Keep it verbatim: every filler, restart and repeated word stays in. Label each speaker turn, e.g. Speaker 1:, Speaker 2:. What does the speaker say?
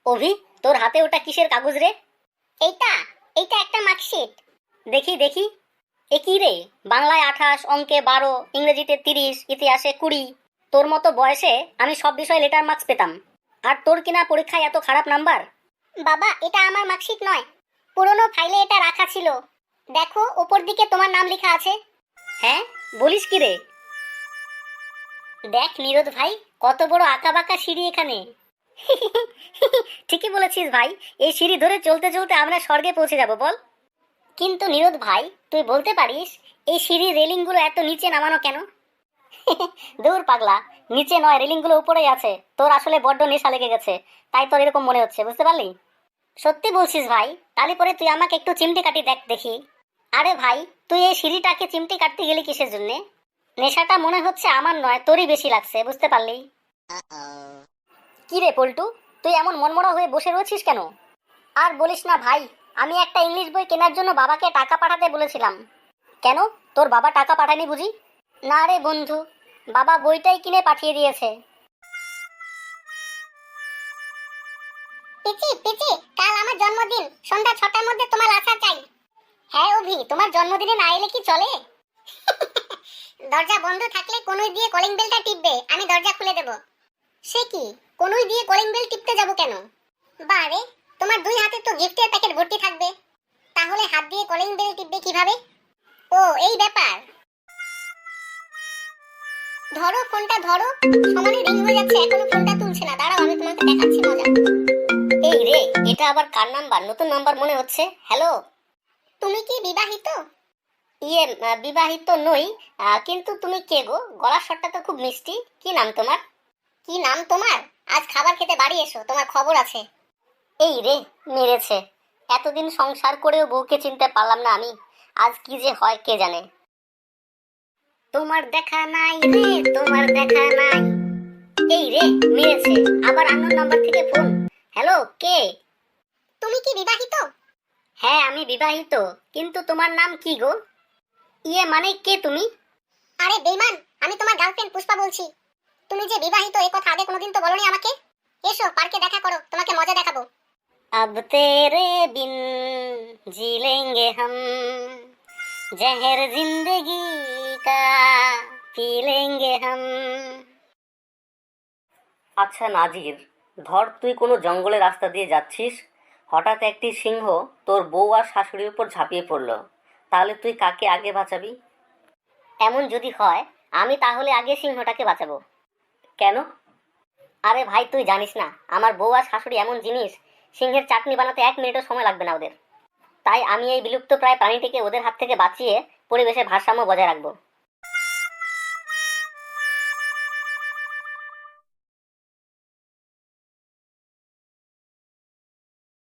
Speaker 1: অভি, তোর হাতে ওটা কিসের কাগজ রে?
Speaker 2: এইটা এইটা একটা মার্কশিট।
Speaker 1: দেখি দেখি। এ কি রে? বাংলায় আঠাশ, অঙ্কে বারো, ইংরেজিতে তিরিশ, ইতিহাসে কুড়ি। তোর মতো বয়সে আমি সব বিষয়ে লেটার মার্কস পেতাম, আর তোর কিনা পরীক্ষায় এত খারাপ নাম্বার।
Speaker 2: বাবা, এটা আমার মার্কশিট নয়, পুরনো ফাইলে এটা রাখা ছিল। দেখো, উপর দিকে তোমার নাম লেখা আছে।
Speaker 1: হ্যাঁ, বলিস কি রে? দেখ নিরোদ ভাই, কত বড় আঁকা বাঁকা সিঁড়ি এখানে। ঠিকই বলেছিস ভাই, এই সিঁড়ি ধরে চলতে চলতে আমরা স্বর্গে পৌঁছে যাব বল। কিন্তু নিরোদ ভাই, তুই বলতে পারিস এই সিঁড়ির রেলিংগুলো এত নিচে নামানো কেন? দূর পাগলা, নিচে নয়, রেলিংগুলো উপরেই আছে। তোর আসলে বড্ড নেশা লেগে গেছে, তাই তোর এরকম মনে হচ্ছে, বুঝতে পারলি? সত্যি বলছিস ভাই? তাহলে পরে তুই আমাকে একটু চিমটি কাটি দেখ দেখি। আরে ভাই, তুই এই সিঁড়িটাকে চিমটি কাটতে গেলি কিসের জন্যে? নেশাটা মনে হচ্ছে আমার নয়, তোরই বেশি লাগছে, বুঝতে পারলি? কি রে পল্টু, তুই এমন মনমরা হয়ে বসে রয়েছিস কেন? আর বলিস না ভাই, আমি একটা ইংলিশ বই কেনার জন্য বাবাকে টাকা পাঠাতে বলেছিলাম। কেন, তোর বাবা টাকা পাঠায়নি বুঝি? না রে বন্ধু, বাবা বইটাই কিনে পাঠিয়ে দিয়েছে।
Speaker 2: পিচি পিচি, কাল আমার জন্মদিন, সন্ধ্যা ছটার মধ্যে তোমার আসা চাই। হ্যাঁ অভি, তোমার জন্মদিনে না এলে কি চলে? দরজা বন্ধ থাকলে কনুই দিয়ে কলিং বেলটা টিপবে, আমি দরজা খুলে দেব। সে কি, কনুই দিয়ে কলিং বেল টিপতে যাব কেন? বারে, তোমার দুই হাতে তো গিফটের প্যাকেট ভর্তি থাকবে, তাহলে হাত দিয়ে কলিং বেল টিপবে কিভাবে? ও এই ব্যাপার। ধরো ফোনটা ধরো, সমানে রিং হয়ে যাচ্ছে, এখনো ফোনটা তুলছে না। দাঁড়াও, আমি তোমাকে দেখাচ্ছি মজা।
Speaker 1: এই রে, এটা আবার কার নাম্বার? নতুন নাম্বার মনে হচ্ছে। হ্যালো,
Speaker 2: তুমি কি বিবাহিত?
Speaker 1: ইয়ে, আহ, বিবাহিত নই, আহ, কিন্তু তুমি কে গো? গলার স্বরটা তো খুব মিষ্টি। কি নাম তোমার?
Speaker 2: কি নাম তোমার? আজ খাবার খেতে বাড়ি এসো, তোমার খবর আছে।
Speaker 1: এই রে, মেরেছে। এতদিন সংসার করেও বউকে চিনতে পারলাম না আমি। আজ কি যে হয় কে জানে। তোমার দেখা নাই রে, তোমার দেখা নাই। এই রে, মেরেছে। আবার আননোন নাম্বার থেকে ফোন। হ্যালো, কে?
Speaker 2: তুমি কি বিবাহিত?
Speaker 1: হ্যাঁ, আমি বিবাহিত, কিন্তু তোমার নাম কি গো? ইয়ে মানে কে তুমি?
Speaker 2: আরে বেঈমান, আমি তোমার গার্লফ্রেন্ড পুষ্পা বলছি। তুমি যে বিবাহিত এ কথা আগে কোনোদিন তো বলনি আমাকে। এসো পার্কে দেখা করো, তোমাকে মজা দেখাবো।
Speaker 1: अब तेरे बिन जी लेंगे हम, जहर जिंदगी का पी लेंगे हम। আচ্ছা নাজির, ধর তুই কোনো জঙ্গলের রাস্তা দিয়ে যাচ্ছিস, হঠাৎ একটি সিংহ তোর বউ আর শাশুড়ির উপর ঝাঁপিয়ে পড়লো, তাহলে তুই কাকে আগে বাঁচাবি? এমন যদি হয়, আমি তাহলে আগে সিংহটাকে বাঁচাবো। কেন? আরে ভাই, তুই জানিস না আমার বউ আর শাশুড়ি এমন জিনিস, সিংহের চাটনি বানাতে এক মিনিটও সময় লাগবে না ওদের। তাই আমি এই বিলুপ্ত প্রায় প্রাণীটিকে ওদের হাত থেকে বাঁচিয়ে পরিবেশের ভারসাম্য বজায় রাখবো।